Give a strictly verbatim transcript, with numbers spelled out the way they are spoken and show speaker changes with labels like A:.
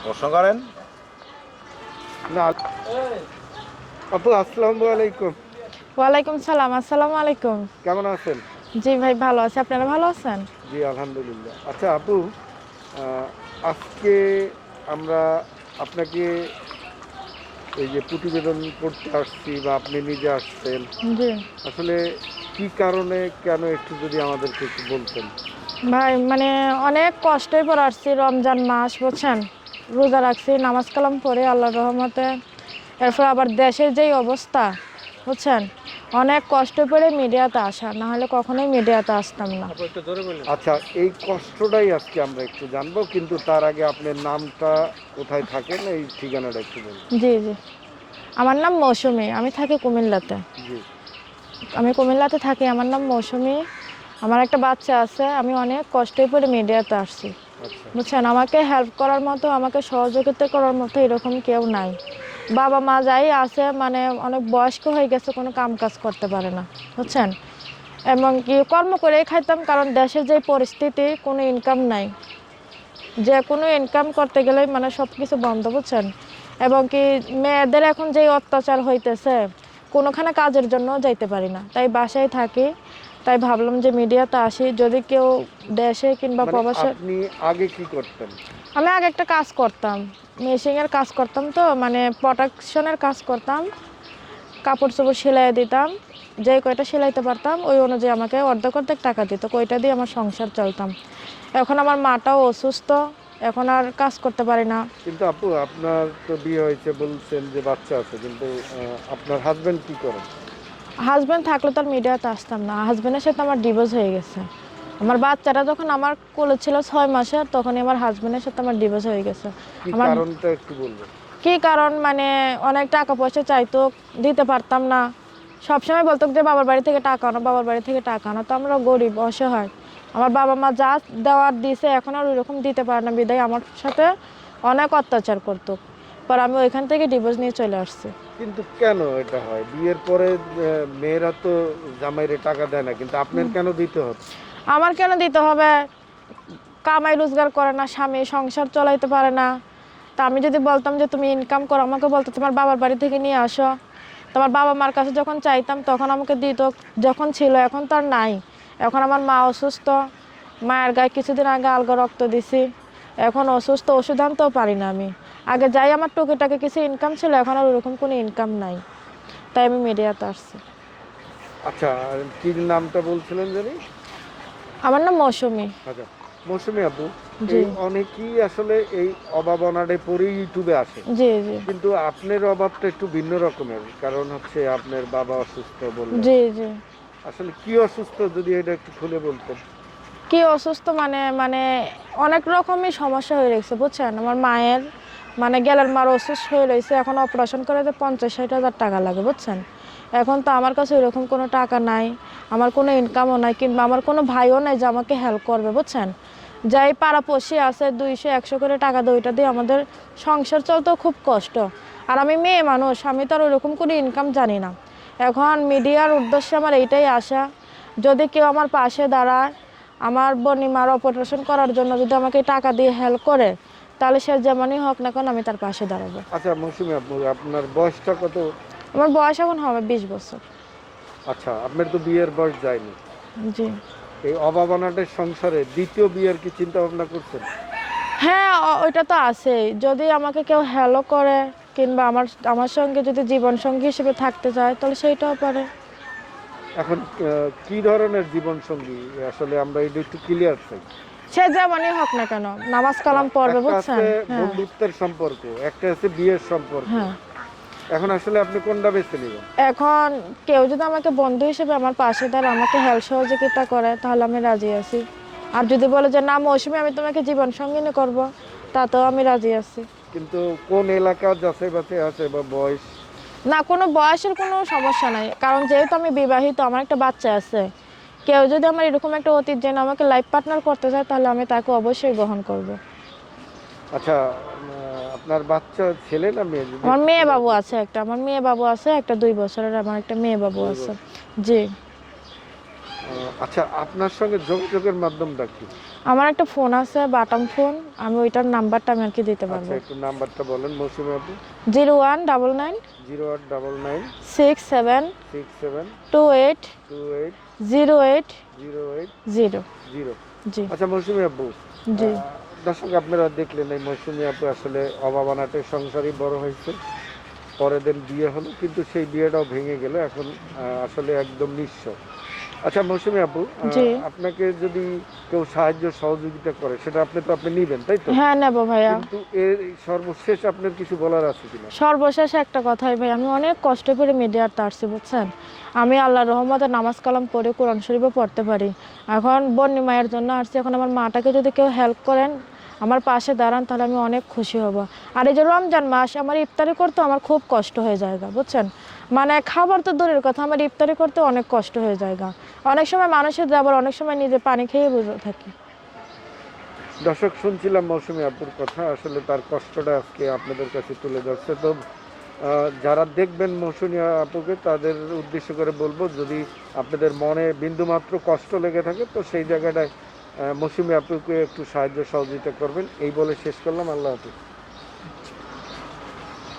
A: প্রশ্ন করেন।
B: না আপু, আসসালামু আলাইকুম।
C: ওয়ালাইকুম সালাম। আসসালামু আলাইকুম।
B: কেমন আছেন?
C: জি ভাই, ভালো আছি। আপনারা ভালো আছেন?
B: জি আলহামদুলিল্লাহ। আচ্ছা আপু, আহ, আজকে আমরা আপনাকে এই যে প্রতিবেদন করতে আসছি বা আপনি নিজে আসছেন,
C: জি
B: আসলে কি কারণে, কেন একটু যদি আমাদেরকে একটু বলতেন।
C: ভাই, মানে অনেক কষ্টই পড়ে আসছি। রমজান মাস বুঝছেন, রোজা রাখছি, নামাজ কালাম পড়ে আল্লাহর রহমতে। এরপর আবার দেশের যেই অবস্থা বুঝছেন, অনেক কষ্ট করে মিডিয়াতে আসা, না হলে কখনোই মিডিয়াতে আসতাম না।
B: আচ্ছা, এই কষ্টটাই আজকে আমরা একটু জানবো, কিন্তু তার আগে আপনার নামটা, কোথায় থাকেন, এই ঠিকানাটা একটু বলুন।
C: জি জি, আমার নাম মৌসুমী, আমি থাকি কুমিল্লাতে।
B: জি।
C: আমি কুমিল্লাতে থাকি, আমার নাম মৌসুমী। আমার একটা বাচ্চা আছে, আমি অনেক কষ্টই করে মিডিয়াতে আসছি
B: আচ্ছা।
C: বুঝছেন। আমাকে হেল্প করার মতো, আমাকে সহযোগিতা করার মতো এরকম কেউ নাই। বাবা মা যাই আছে, মানে অনেক বয়স্ক হয়ে গেছে, কোনো কাম কাজ করতে পারে না বুঝছেন। এবং কি কর্ম করেই খাইতাম, কারণ দেশের যে পরিস্থিতি, কোনো ইনকাম নাই। যে কোনো ইনকাম করতে গেলেই মানে সব কিছু বন্ধ বুঝছেন। এবং কি মেয়েদের এখন যেই অত্যাচার হইতেছে, কোনোখানে কাজের জন্য যাইতে পারি না, তাই বাসায় থাকি। তাই ভাবলাম যে মিডিয়াতে আসি, যদি কেউ দেশে কিংবা
B: মানে
C: প্রবাসে।
B: আপনি আগে কি করতেন?
C: আমি আগে একটা কাজ করতাম, মেশিনের কাজ করতাম, তো মানে প্রোডাকশনের কাজ করতাম। কাপড় চোপড় সেলাই দিতাম, যে কয়টা সেলাইতে পারতাম ওই অনুযায়ী আমাকে অর্ধেক অর্ধেক টাকা দিত, কয়টা দিয়ে আমার সংসার চলতাম। এখন আমার মাটাও অসুস্থ, এখন আর কাজ করতে পারি না।
B: কিন্তু আপু, আপনার তো বিয়ে হয়েছে, বলছেন যে বাচ্চা আছে, কিন্তু আহ, আপনার হাজবেন্ড কি করেন?
C: হাজব্যান্ড থাকলে তো আর মিডিয়াতে আসতাম না। হাজব্যান্ডের সাথে আমার ডিভোর্স হয়ে গেছে। আমার বাচ্চাটা যখন আমার কোলে ছিল ছয় মাসের, তখনই আমার হাজব্যান্ডের সাথে আমার ডিভোর্স হয়ে গেছে।
B: কি
C: আমার
B: কারণটা একটু বলবেন?
C: কি কারণ, মানে অনেক টাকা পয়সা চাইতো, দিতে পারতাম না। সবসময় বলতো যে বাবার বাড়ি থেকে টাকা আনো, বাবার বাড়ি থেকে টাকা আনো, তো আমরা গরিব অসহায়। আমার বাবা মা যা দেওয়ার দিয়েছে, এখন আর ওইরকম দিতে পারে না, বিদায় আমার সাথে অনেক অত্যাচার করতো। পর আমি ওইখান থেকে ডিভোর্স নিয়ে চলে আসছি।
B: কিন্তু কেন এটা হয়? বিয়ের পরে আহ, মেয়েরা তো জামাইরে টাকা দেয় না, কিন্তু আপনার কেন দিতে হচ্ছে?
C: আমার কেন দিতে হবে? কামাই রোজগার করে না স্বামী, সংসার চালাইতে পারে না। তা আমি যদি বলতাম যে তুমি ইনকাম করো, আমাকে বলতো তোমার বাবার বাড়ি থেকে নিয়ে আসো। তোমার বাবা মার কাছে যখন চাইতাম তখন আমাকে দিত, যখন ছিল। এখন তো আর নাই। এখন আমার মা অসুস্থ, মায়ের গায়ে কিছুদিন আগে আলগা রক্ত দিছি, এখন অসুস্থ, ওষুধ আনতেও পারি না আমি। আগে যাই আমার টুকিটাকি কিছু ইনকাম ছিল, এখন আর ওরকম কোনো ইনকাম নাই, তাই আমি মিডিয়াতে আসছি।
B: আচ্ছা, আর কি নামটা বলছিলেন জানি?
C: আমার নাম মৌসুমী।
B: আচ্ছা, মৌসুমী আপু,
C: জি
B: এই অনেকেই আসলে এই অভাব অনাটে পরে ইউটিউবে আসে,
C: জি জি
B: কিন্তু আপনার অভাবটা একটু ভিন্ন রকমের। কারণ হচ্ছে আপনার বাবা অসুস্থ বললেন,
C: জি জি
B: আসলে কি অসুস্থ যদি এটা একটু খুলে বলতেন।
C: কি অসুস্থ মানে মানে অনেক রকমই সমস্যা হয়ে রয়েছে বুঝছেন। আমার মায়ের মানে গেলের মার অসুস্থ হয়ে রয়েছে, এখন অপারেশন করে যে পঞ্চাশ ষাট হাজার টাকা লাগে বুঝছেন। এখন তো আমার কাছে ওইরকম কোনো টাকা নাই, আমার কোনো ইনকামও নাই, কিংবা আমার কোনো ভাইও নাই যে আমাকে হেল্প করবে বুঝছেন। যাই পাড়াপড়শি আছে দুইশো একশো করে টাকা দেয়, ওইটা দিয়ে আমাদের সংসার চলতেও খুব কষ্ট। আর আমি মেয়ে মানুষ, আমি তো আর ওইরকম কোনো ইনকাম জানি না। এখন মিডিয়ার উদ্দেশ্যে আমার এইটাই আশা, যদি কেউ আমার পাশে দাঁড়ায়, আমার বোনিমার অপারেশন করার জন্য যদি আমাকে টাকা দিয়ে হেল্প করে, তাহলে সে যেমনই হোক না কেন আমি তার পাশে দাঁড়াবো।
B: আচ্ছা মৌসুমী আপু, আপনার বয়সটা কত?
C: আমার বয়স এখন হবে বিশ বছর।
B: আচ্ছা, আপনার তো বিয়ের বয়স যায়নি।
C: জি
B: এই অভাব অনাটের সংসারে দ্বিতীয় বিয়ের কি চিন্তা ভাবনা করছেন?
C: হ্যাঁ, ও- ওইটা তো আছেই। যদি আমাকে কেউ হেল্প করে, কিংবা আমার আমার সঙ্গে যদি জীবন সঙ্গী হিসেবে থাকতে চায়, তাহলে সেইটাও পারে।
B: এখন আহ, কি ধরনের জীবন সঙ্গী আসলে আমরা এটা একটু ক্লিয়ার চাই।
C: সে যেমনই হোক না কেন, নামাজ কালাম পড়বে
B: একটা
C: বুঝছেন।
B: আছে
C: হ্যাঁ
B: বন্ধুত্বের সম্পর্ক, একটা আছে বিয়ের সম্পর্ক।
C: হ্যাঁ,
B: এখন আসলে আপনি কোনটা বেছে নেবেন?
C: এখন কেউ যদি আমাকে বন্ধু হিসেবে আমার পাশে দাঁড়ায়, আমাকে হেল্প সহযোগিতা করে, তাহলে আমি রাজি আছি। আর যদি বলে যে না মৌসুমী, আমি তোমাকে জীবন সঙ্গিনী করব, তাতেও আমি রাজি আছি।
B: কিন্তু কোন এলাকা যাচাই বাছাই আছে বা বয়স?
C: না, কোনো বয়সের কোনো সমস্যা নাই, কারণ যেহেতু আমি বিবাহিত, আমার একটা বাচ্চা আছে। কেউ যদি আমার এরকম একটা অতীত জেনে আমাকে লাইফ পার্টনার করতে চায়, তাহলে আমি তাকে অবশ্যই গ্রহণ করব।
B: আচ্ছা, আহ, আপনার বাচ্চা ছেলে না মেয়ে? যদি
C: আমার
B: একটু
C: মেয়ে
B: বলেন।
C: বাবু আছে একটা, আমার মেয়ে বাবু আছে একটা, দুই বছরের আমার একটা মেয়ে বাবু
B: দুই
C: আছে।
B: বছর।
C: জি
B: আহ, আচ্ছা, আপনার সঙ্গে যোগাযোগের মাধ্যমটা কি?
C: আমার একটা ফোন আছে বাটন ফোন, আমি ওইটার নাম্বারটা আমি আর কি দিতে পারবো।
B: আচ্ছা একটু নাম্বারটা বলেন মৌসুমী আপু।
C: Zero one double nine
B: zero আট double nine
C: six seven
B: six seven
C: two eight
B: two eight
C: zero eight
B: zero eight
C: zero.
B: Zero.
C: জি
B: আচ্ছা মৌসুমী আপু,
C: জি
B: আহ, দর্শক আপনারা দেখলেন এই মৌসুমী আপু আসলে অভাবনাটে সংসারই বড় হয়েছে, পরের দিন বিয়ে হলো কিন্তু সেই বিয়েটাও ভেঙে গেল, এখন আহ, আসলে একদম নিঃস্ব। আচ্ছা মৌসুমী আপু, আহ,
C: জি।
B: আপনাকে যদি কেউ সাহায্য সহযোগিতা করে সেটা আপনি তো আপনি নিবেন তাই তো?
C: হ্যাঁ নেবো ভাইয়া।
B: কিন্তু এর সর্বশেষ আপনার কিছু বলার আছে কিনা?
C: সর্বশেষ একটা কথাই ভাই, আমি অনেক কষ্ট করে মিডিয়াতে আসছি বুঝছেন। আমি আল্লাহর রহমতে নামাজ কালাম পড়ে কোরআন শরীফও পড়তে পারি। এখন বন্যি মায়ের জন্য আসছি, এখন আমার মাটাকে যদি কেউ হেল্প করেন, আমার পাশে দাঁড়ান, তাহলে আমি অনেক খুশি হব। আর এই যে রমজান মাস, আমার ইফতারি করতে আমার খুব কষ্ট হয়ে যায় গা, বুঝছেন। মানে খাবার তো দূরের কথা, আমার ইফতারি করতে অনেক কষ্ট হয়ে যায় গা। অনেক সময় মানুষের আবার অনেক সময় নিজে পানি খেয়ে বুঝে থাকি।
B: দর্শক শুনছিলাম মৌসুমী আপুর কথা, আসলে তার কষ্টটা আজকে আপনাদের কাছে তুলে ধরছে। তো আহ, যারা দেখবেন মৌসুমী আপুকে তাদের উদ্দেশ্য করে বলবো, যদি আপনাদের মনে বিন্দুমাত্র কষ্ট লেগে থাকে তো সেই জায়গাটায় আহ, মৌসুমী আপুকে একটু সাহায্য সহযোগিতা করবেন, এই বলে শেষ করলাম। আল্লাহ হাফিজ।